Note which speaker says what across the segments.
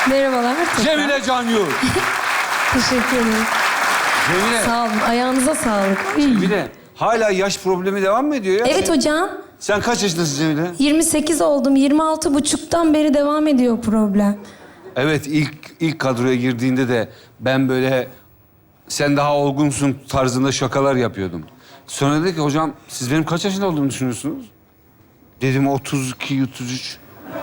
Speaker 1: Merhabalar.
Speaker 2: Cemile Canyur.
Speaker 1: Teşekkür ederim.
Speaker 2: Cemile.
Speaker 1: Sağ olun. Ayağınıza sağlık.
Speaker 2: Cemile. Hala yaş problemi devam mı ediyor ya?
Speaker 1: Evet hocam.
Speaker 2: Sen kaç yaşındasın Cemile?
Speaker 1: 28 oldum. 26,5'tan beri devam ediyor problem.
Speaker 2: Evet, ilk kadroya girdiğinde de ben böyle sen daha olgunsun tarzında şakalar yapıyordum. Sonra dedi ki hocam siz benim kaç yaşında olduğumu düşünüyorsunuz? Dedim 32, 33.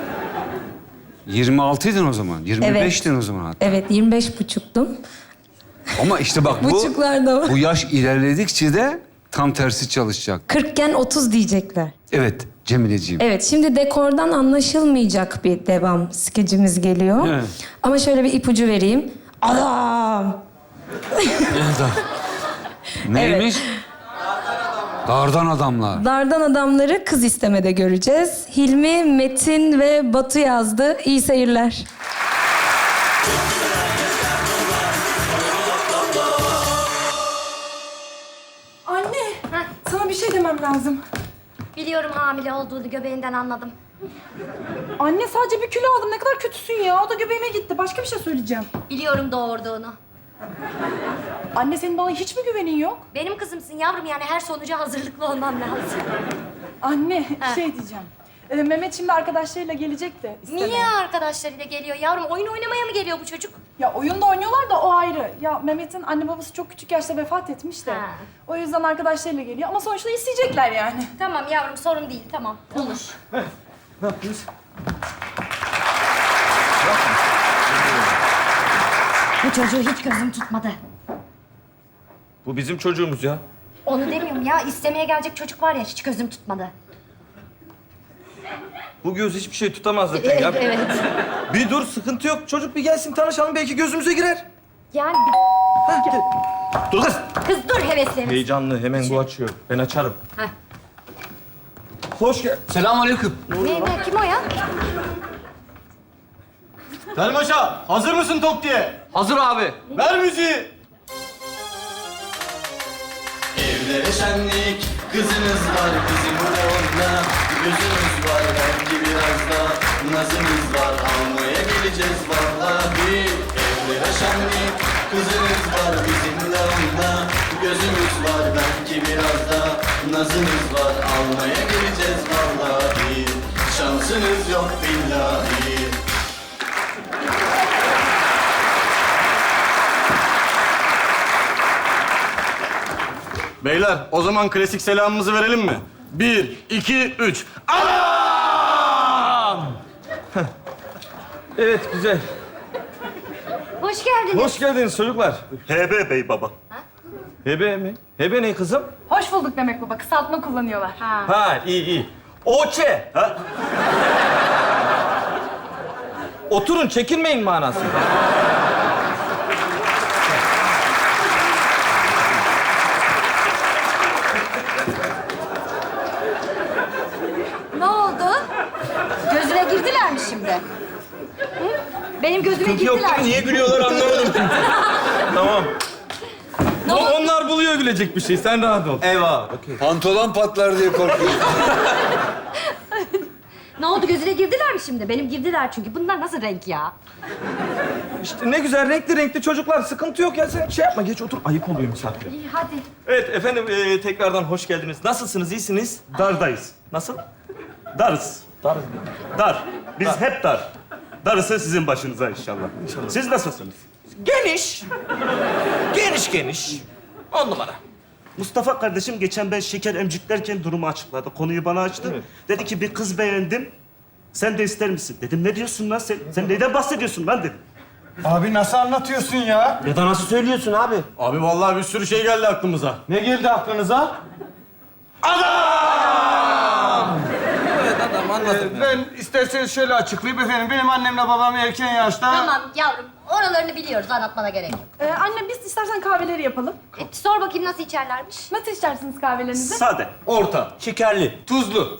Speaker 2: 26'ydın o zaman. 25'tin o zaman hatta.
Speaker 1: Evet, 25,5'tum.
Speaker 2: Ama işte bak
Speaker 1: Buçuklarda var.
Speaker 2: bu yaş ilerledikçe de tam tersi çalışacak.
Speaker 1: 40'ken 30 diyecekler.
Speaker 2: Evet Cemileciğim.
Speaker 1: Evet, şimdi dekordan anlaşılmayacak bir devam skecimiz geliyor.
Speaker 2: Evet.
Speaker 1: Ama şöyle bir ipucu vereyim. Adam!
Speaker 2: Neymiş? Dardan adamlar.
Speaker 1: Dardan adamları kız istemede göreceğiz. Hilmi, Metin ve Batu yazdı. İyi seyirler.
Speaker 3: Anne, sana bir şey demem lazım.
Speaker 4: Biliyorum hamile olduğunu göbeğinden anladım.
Speaker 3: Anne sadece bir kilo aldım. Ne kadar kötüsün ya. O da göbeğime gitti. Başka bir şey söyleyeceğim.
Speaker 4: Biliyorum doğurduğunu.
Speaker 3: Anne senin bana hiç mi güvenin yok?
Speaker 4: Benim kızımsın yavrum yani her sonuca hazırlıklı olmam lazım.
Speaker 3: Anne,
Speaker 4: Ha.
Speaker 3: şey diyeceğim. Mehmet şimdi arkadaşlarıyla gelecek de istemeye.
Speaker 4: Niye arkadaşlarıyla geliyor yavrum? Oyun oynamaya mı geliyor bu çocuk?
Speaker 3: Ya oyunda oynuyorlar da o ayrı. Ya Mehmet'in anne babası çok küçük yaşta vefat etmiş de.
Speaker 4: Ha.
Speaker 3: O yüzden arkadaşlarıyla geliyor ama sonuçta isteyecekler yani.
Speaker 4: Tamam yavrum sorun değil tamam olur.
Speaker 5: Ne yaptınız?
Speaker 4: Bu çocuğu hiç gözüm tutmadı.
Speaker 5: Bu bizim çocuğumuz ya.
Speaker 4: Onu demiyorum ya istemeye gelecek çocuk var ya hiç gözüm tutmadı.
Speaker 5: Bu göz hiçbir şey tutamaz zaten ya.
Speaker 4: Evet.
Speaker 5: Bir dur, sıkıntı yok. Çocuk bir gelsin, tanışalım. Belki gözümüze girer.
Speaker 4: Yani
Speaker 5: Dur kız.
Speaker 4: kız dur heveslenir.
Speaker 5: Heyecanlı, hemen bu açıyor. Ben açarım.
Speaker 4: Heh.
Speaker 5: Hoş gel.
Speaker 2: Selamünaleyküm.
Speaker 4: Ne kim o ya?
Speaker 6: Selim Paşa, hazır mısın tok diye?
Speaker 2: Hazır abi.
Speaker 6: Ver müziği.
Speaker 7: Evlere şenlik, kızınız var bizim orada. Gözünüz var belki biraz da nazınız var. Almaya geleceğiz vallahi. Evlere şenlik, kızınız var bizimle onda. Gözümüz var belki biraz da nazınız var. Almaya geleceğiz vallahi. Şansınız yok billahi.
Speaker 6: Beyler, o zaman klasik selamımızı verelim mi? 1, 2, 3. Anam!
Speaker 5: Evet, güzel.
Speaker 4: Hoş geldiniz.
Speaker 5: Hoş geldiniz çocuklar.
Speaker 7: HB bey baba.
Speaker 5: Hebe mi? Hebe ne kızım?
Speaker 3: Hoş bulduk demek baba. Kısaltma kullanıyorlar.
Speaker 5: Ha, iyi. Oçe. Ha? Oturun, çekinmeyin manası.
Speaker 4: Ne oldu? Gözüne girdiler mi şimdi? Hı? Benim gözüme
Speaker 5: Yok
Speaker 4: girdiler.
Speaker 5: değil mi? Niye gülüyorlar anlamadım. Tamam. Onlar buluyor gülecek bir şey. Sen rahat ol.
Speaker 6: Eyvah.
Speaker 2: Pantolon patlar diye korkuyorum.
Speaker 4: Ne oldu gözüne girdiler mi şimdi? Benim girdiler çünkü. Bunlar nasıl renk ya?
Speaker 5: İşte ne güzel renkli çocuklar. Sıkıntı yok ya. Sen şey yapma. Geç otur. Ayıp oluyor misafire.
Speaker 4: İyi hadi.
Speaker 5: Evet efendim tekrardan hoş geldiniz. Nasılsınız? İyisiniz?
Speaker 7: Dardayız.
Speaker 5: Nasıl?
Speaker 7: Darız.
Speaker 5: Dar.
Speaker 7: Dar. Biz hep dar. Darısı sizin başınıza inşallah. Siz nasılsınız?
Speaker 5: Geniş. Geniş. 10 numara.
Speaker 7: Mustafa kardeşim geçen ben şeker emciklerken durumu açıkladı. Konuyu bana açtı.
Speaker 5: Evet.
Speaker 7: Dedi ki bir kız beğendim. Sen de ister misin? Dedim ne diyorsun lan sen? Sen neyden bahsediyorsun lan dedim.
Speaker 6: Abi nasıl anlatıyorsun ya?
Speaker 7: Ya da nasıl söylüyorsun abi?
Speaker 6: Abi vallahi bir sürü şey geldi aklımıza. Ne geldi aklınıza?
Speaker 5: Evet adam anladım.
Speaker 6: Ben isterseniz şöyle açıklayayım efendim. Benim annemle babam erken yaşta...
Speaker 4: Tamam yavrum. Oralarını biliyoruz. Anlatmana gerek yok.
Speaker 3: Anne biz istersen kahveleri yapalım.
Speaker 4: Sor bakayım nasıl içerlermiş?
Speaker 3: Nasıl içersiniz kahvelerinizi?
Speaker 7: Sade.
Speaker 5: Orta, şekerli, tuzlu.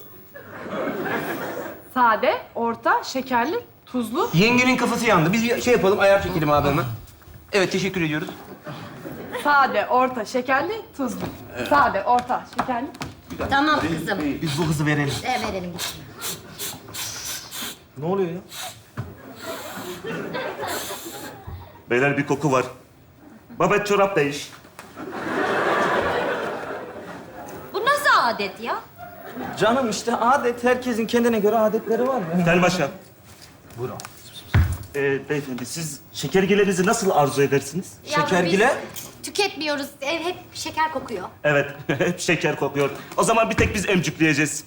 Speaker 3: Sade, orta, şekerli, tuzlu.
Speaker 8: Yengenin kafası yandı. Biz bir şey yapalım, ayar çekelim abi hemen. Evet, teşekkür ediyoruz.
Speaker 3: Sade, orta, şekerli, tuzlu. Sade, orta, şekerli.
Speaker 4: Tamam kızım.
Speaker 8: Biz bu kızı verelim.
Speaker 4: Verelim gitsin.
Speaker 5: Ne oluyor ya?
Speaker 6: Beyler bir koku var. Babet çorap değiş.
Speaker 4: Bu nasıl adet ya?
Speaker 5: Canım işte adet, herkesin kendine göre adetleri var.
Speaker 6: Telmaşa. Buyurun. Beyefendi siz şekergilerinizi nasıl arzu edersiniz?
Speaker 4: Yavrum,
Speaker 5: Şekergile?
Speaker 4: biz tüketmiyoruz. Ev hep şeker kokuyor.
Speaker 6: Evet, hep şeker kokuyor. O zaman bir tek biz emcükleyeceğiz.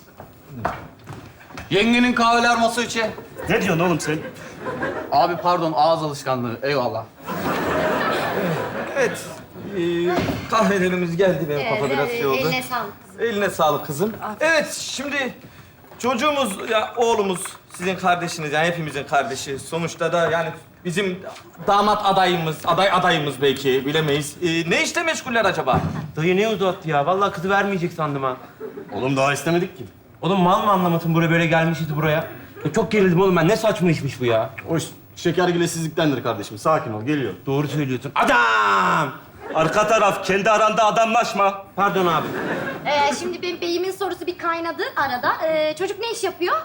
Speaker 7: Yengenin kahveler masa içi.
Speaker 6: Ne diyorsun oğlum sen?
Speaker 7: Abi pardon ağız alışkanlığı. Eyvallah.
Speaker 5: Evet. Kahvelerimiz geldi, benim kafa biraz şey oldu.
Speaker 4: Eline sağlık.
Speaker 5: Eline sağlık kızım. Evet, şimdi çocuğumuz, ya oğlumuz, sizin kardeşiniz, yani hepimizin kardeşi. Sonuçta da yani bizim damat adayımız, adayımız belki, bilemeyiz. Ne işle meşguller acaba?
Speaker 8: Dayı ne uzattı ya? Vallahi kızı vermeyecek sandım ha.
Speaker 6: Oğlum daha istemedik ki.
Speaker 8: Oğlum mal mı anlamadın buraya böyle gelmişiz buraya? Ya çok gerildim oğlum ben. Ne saçma işmiş bu ya?
Speaker 6: O şekergilesizliktendir kardeşim. Sakin ol, geliyor.
Speaker 8: Doğru söylüyorsun. Adam!
Speaker 6: Arka taraf, kendi aranda adamlaşma.
Speaker 8: Pardon abi.
Speaker 4: Şimdi benim beyimin sorusu bir kaynadı arada. Çocuk ne iş yapıyor?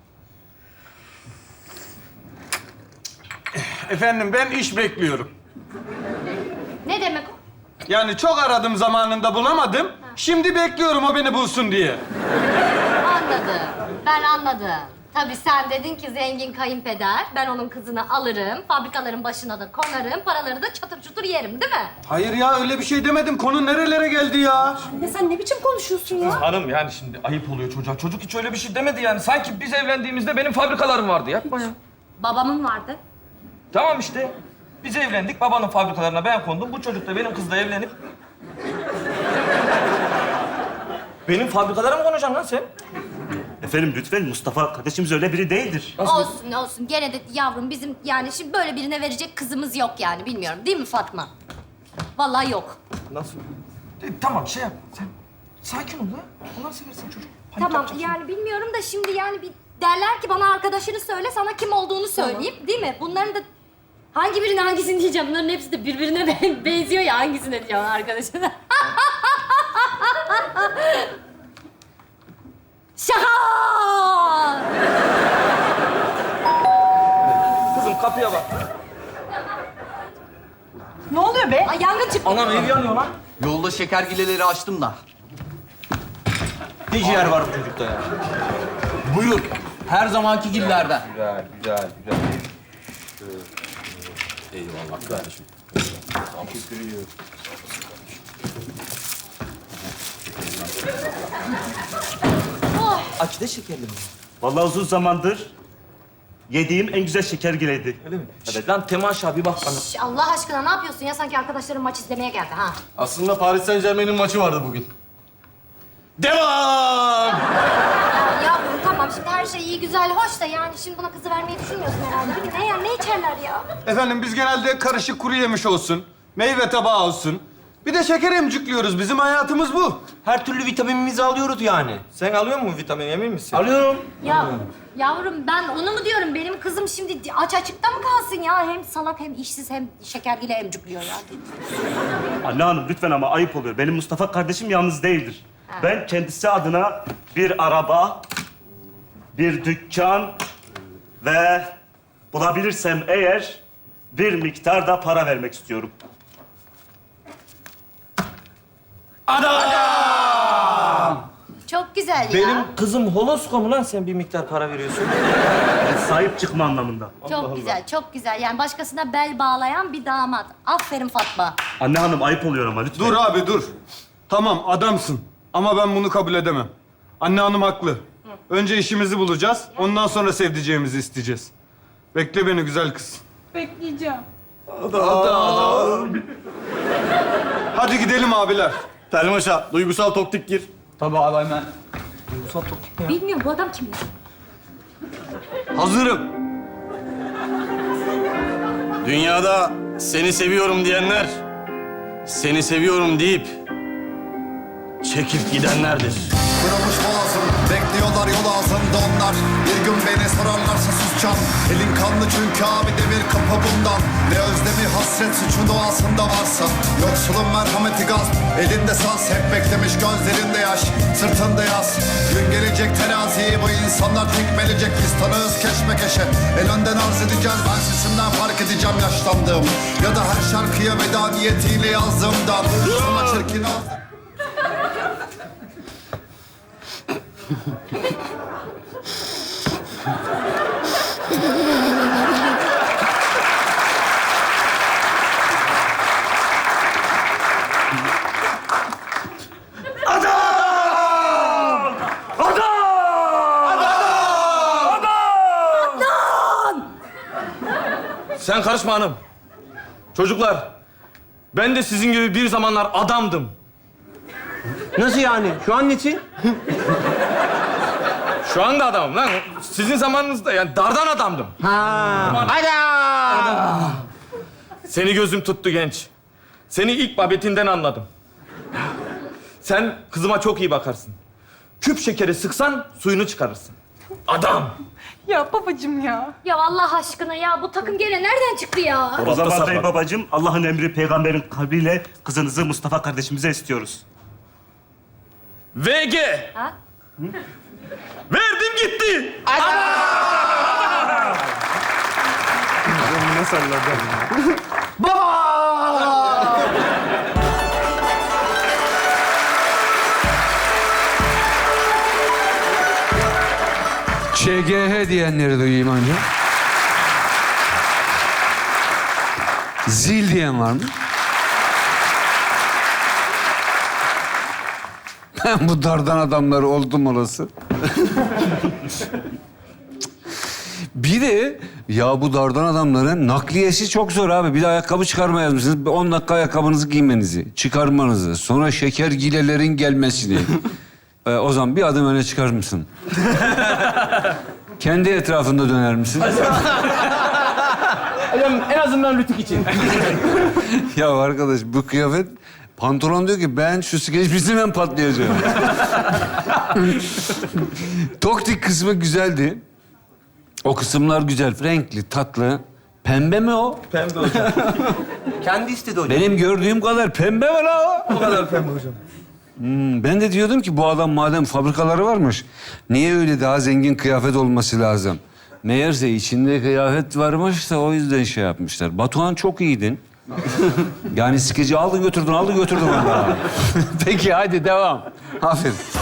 Speaker 9: Efendim ben iş bekliyorum.
Speaker 4: Ne demek o?
Speaker 9: Yani çok aradım zamanında bulamadım. Şimdi bekliyorum o beni bulsun diye.
Speaker 4: Anladım. Ben anladım. Tabii sen dedin ki zengin kayınpeder. Ben onun kızını alırım. Fabrikaların başına da konarım. Paraları da çatır çutur yerim değil mi?
Speaker 9: Hayır ya öyle bir şey demedim. Konu nerelere geldi ya?
Speaker 3: Anne sen ne biçim konuşuyorsun ya?
Speaker 5: Hanım yani şimdi ayıp oluyor çocuğa. Çocuk hiç öyle bir şey demedi yani. Sanki biz evlendiğimizde benim fabrikalarım vardı. Yapma ya.
Speaker 4: Babamın vardı.
Speaker 5: Tamam işte. Biz evlendik, babanın fabrikalarına ben kondum. Bu çocuk da benim kızla evlenip... Benim fabrikalara mı konacaksın lan sen?
Speaker 6: Efendim lütfen, Mustafa kardeşimiz öyle biri değildir.
Speaker 4: Olsun olsun. Gene de yavrum bizim yani şimdi böyle birine verecek kızımız yok yani. Bilmiyorum değil mi Fatma? Vallahi yok.
Speaker 5: Nasıl? Tamam şey yap. Sen sakin ol ya. Allah seversen çocuk. Panik
Speaker 4: Tamam
Speaker 5: yapacaksın.
Speaker 4: yani bilmiyorum da şimdi yani bir derler ki bana arkadaşını söyle sana kim olduğunu söyleyeyim değil mi? Bunların da hangi birine hangisini diyeceğim? Bunların hepsi de birbirine benziyor ya hangisine diyeceğim arkadaşına. Şaka!
Speaker 5: Kızım kapıya bak.
Speaker 3: Ne oluyor be?
Speaker 4: Ay yangın çıktı.
Speaker 5: Anam ev yanıyor lan.
Speaker 7: Yolda şekergileleri açtım da.
Speaker 8: Ne ciğer var bu çocukta ya?
Speaker 7: Buyur. Her zamanki gillerden.
Speaker 8: Güzel, güzel, güzel.
Speaker 7: Eyvallah kardeşim.
Speaker 5: Aç da şekerli mi?
Speaker 6: Vallahi uzun zamandır yediğim en güzel şekergileydi.
Speaker 5: Öyle mi? Evet. Lan Temaşa bir bak bana.
Speaker 4: Şş, Allah aşkına ne yapıyorsun ya? Sanki arkadaşların maç izlemeye geldi ha.
Speaker 6: Aslında Paris Saint-Germain'in maçı vardı bugün. Devam!
Speaker 4: Ya yavrum tamam şimdi her şey iyi güzel hoş da yani şimdi buna kızı vermeyi düşünmüyorsun herhalde değil mi? Ne yer ne içerler ya?
Speaker 9: Efendim biz genelde karışık kuru yemiş olsun. Meyve tabağı olsun. Bir de şeker emcikliyoruz. Bizim hayatımız bu.
Speaker 8: Her türlü vitaminimizi alıyoruz yani.
Speaker 5: Sen alıyor musun vitamin, emin misin?
Speaker 8: Alıyorum.
Speaker 4: Ya yavrum ben onu mu diyorum? Benim kızım şimdi aç açıkta mı kalsın ya? Hem salak hem işsiz hem şekergile emcikliyor ya.
Speaker 6: Anne hanım lütfen ama ayıp oluyor. Benim Mustafa kardeşim yalnız değildir. Ben kendisi adına bir araba, bir dükkan ve bulabilirsem eğer bir miktar da para vermek istiyorum.
Speaker 4: Çok güzel ya.
Speaker 5: Benim kızım holosko mu lan sen bir miktar para veriyorsun?
Speaker 6: Yani sahip çıkma anlamında.
Speaker 4: Çok güzel, çok güzel. Yani başkasına bel bağlayan bir damat. Aferin Fatma.
Speaker 6: Anne hanım ayıp oluyor ama lütfen.
Speaker 9: Dur abi dur. Tamam adamsın. Ama ben bunu kabul edemem. Anne hanım haklı. Önce işimizi bulacağız. Ondan sonra sevdiceğimizi isteyeceğiz. Bekle beni güzel kız.
Speaker 3: Bekleyeceğim.
Speaker 9: Hadi gidelim abiler.
Speaker 6: Telmaşa, duygusal toktik gir.
Speaker 7: Tabii abi hemen.
Speaker 4: Bilmiyorum bu adam kim ya?
Speaker 6: Hazırım. Dünyada seni seviyorum diyenler, seni seviyorum deyip çekip gidenlerdir.
Speaker 10: Kırılmış boğazım, bekliyorlar yol ağzımda onlar. Bir gün beni sorarlarsa sus
Speaker 7: can. Elin kanlı çünkü abi demir kapı bundan. Ne özlemi hasret suçun doğasında varsa. Yoksulun merhameti gaz, elinde saz. Hep beklemiş gözlerinde yaş, sırtında yaz. Gün gelecek teraziyi bu insanlar tekmelecek. Biz tanığız keşmekeşe, el önden arz edeceğiz. Ben sesimden fark edeceğim yaşlandığım. Ya da her şarkıya veda niyetiyle yazdığımdan. Sana çirkin ağzı.
Speaker 5: Sen karışma hanım. Çocuklar, ben de sizin gibi bir zamanlar adamdım.
Speaker 8: Nasıl yani? Şu an nesin?
Speaker 5: Şu anda adamım lan. Sizin zamanınızda yani dardan adamdım.
Speaker 8: Adam!
Speaker 5: Seni gözüm tuttu genç. Seni ilk babetinden anladım. Sen kızıma çok iyi bakarsın. Küp şekeri sıksan suyunu çıkarırsın. Adam.
Speaker 3: Ya babacığım ya.
Speaker 4: Ya Allah aşkına ya bu takım gene nereden çıktı ya?
Speaker 6: O zaman
Speaker 5: sapma.
Speaker 6: bey babacığım, Allah'ın emri peygamberin kabriyle kızınızı Mustafa kardeşimize istiyoruz.
Speaker 5: VG.
Speaker 4: Ha?
Speaker 5: Verdim gitti.
Speaker 2: ÇGH diyenleri duyayım önce. Zil diyen var mı? Ben bu dardan adamları oldum olası. Bir de ya bu dardan adamların nakliyesi çok zor abi. Bir de ayakkabı çıkarma yazmışsınız. 10 dakika ayakkabınızı giymenizi, çıkarmanızı, sonra şeker gilelerin gelmesini. O zaman bir adım öne çıkar mısın? Kendi etrafında döner misin?
Speaker 8: Hocam en azından rütük için.
Speaker 2: Ya arkadaş bu kıyafet... Pantolon diyor ki ben şu skeç bitsin ben patlayacağım. Toktik kısmı güzeldi. O kısımlar güzel, renkli, tatlı. Pembe mi o?
Speaker 5: Pembe hocam.
Speaker 8: Kendi istedi hocam.
Speaker 2: Benim gördüğüm kadar pembe mi la o?
Speaker 5: O kadar pembe hocam.
Speaker 2: Ben de diyordum ki bu adam madem fabrikaları varmış... niye öyle daha zengin kıyafet olması lazım? Meğerse içinde kıyafet varmış da o yüzden şey yapmışlar. Batuhan çok iyiydin. Yani skeci aldın götürdün vallahi. Peki hadi devam. Aferin.